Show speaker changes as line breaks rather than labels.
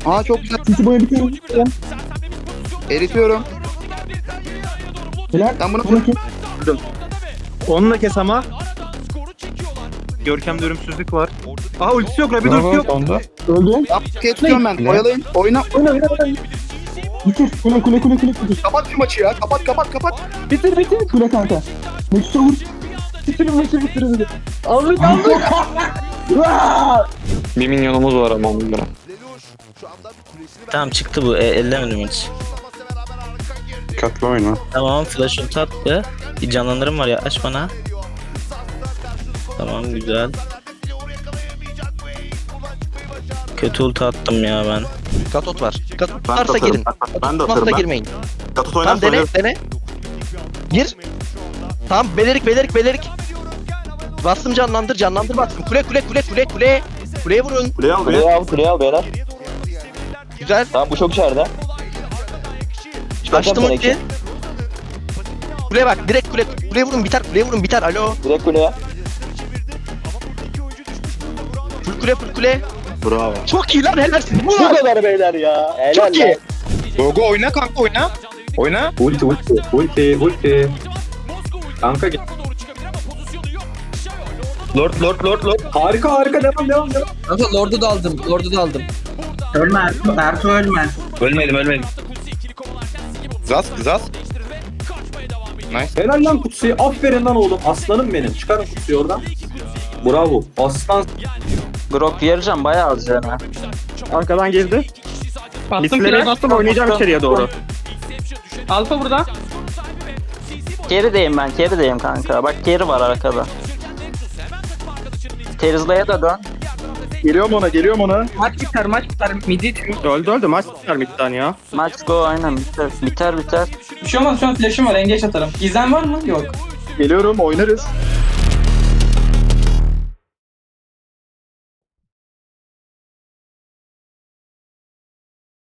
Aa çok güzel.
Sisi boya bitiyorum.
Eritiyorum.
Helal.
Ben bunu
Bunu kes.
Onu da kes ama. Görkem'de ölümsüzlük var. Aha ultisi yok, Rabbit ultisi yok.
Öldü.
Apkeye tutuyorum ben. Oyalayın. Oyna.
Oyna. Bitir. Kule. Bitir.
Kapat şu maçı ya. Kapat.
Bitir. Kule kanka. Nexus'a vur. Bitir. Aldık.
Bir minyonumuz var ama onlara.
Tamam çıktı bu. Ellemedim hiç.
Dikkatli oyna.
Tamam flash ulti attı. Bir canlandırım var ya, aç bana. Tamam güzel. Kötü ulti attım ya ben.
Katot var. Katot
Ben de
varsa
atarım.
girin.
Ben de
Varsa
atarım.
girmeyin.
Katut
Tamam
oynarsa
dene. Gir. Tamam belerik. Bastım canlandır bastım. Kule. Kuleye vurun.
Kuleye al be.
Kuleye al beyler.
Güzel.
Tamam bu çok içeride.
Açtım ulti. Kuleye bak direkt kuleye vurun biter. Alo.
Direkt kuleye.
Full kule.
Bravo.
Çok iyi lan helalsin.
Bu kadar beyler ya. Helal
Çok iyi.
Gogo oyna kanka, oyna. Oyna.
Ulti.
Kanka gel.
Lord.
Harika devam.
Kanka Lord'u da aldım.
Ölme. Bertu ölme.
Ölmedim.
Zaz. Nice. Helal lan Kutsu'yu. Aferin lan oğlum. Aslanım benim. Çıkarın Kutsu'yu oradan. Bravo. Aslan.
Grok yarayacağım bayağı az yani.
Arkadan girdi. Bastım oynayacağım içeriye doğru.
Alfa burada.
Kerideyim kanka. Bak keri var arkada. Terizla'ya da dön.
Geliyorum ona.
Maç biter. Midi
Öldü. Maç biter midden ya.
Max go aynen biter.
Bir şey olmaz, şu an flash'ım var, engage atarım. Gizem var mı? Yok.
Geliyorum. Oynarız.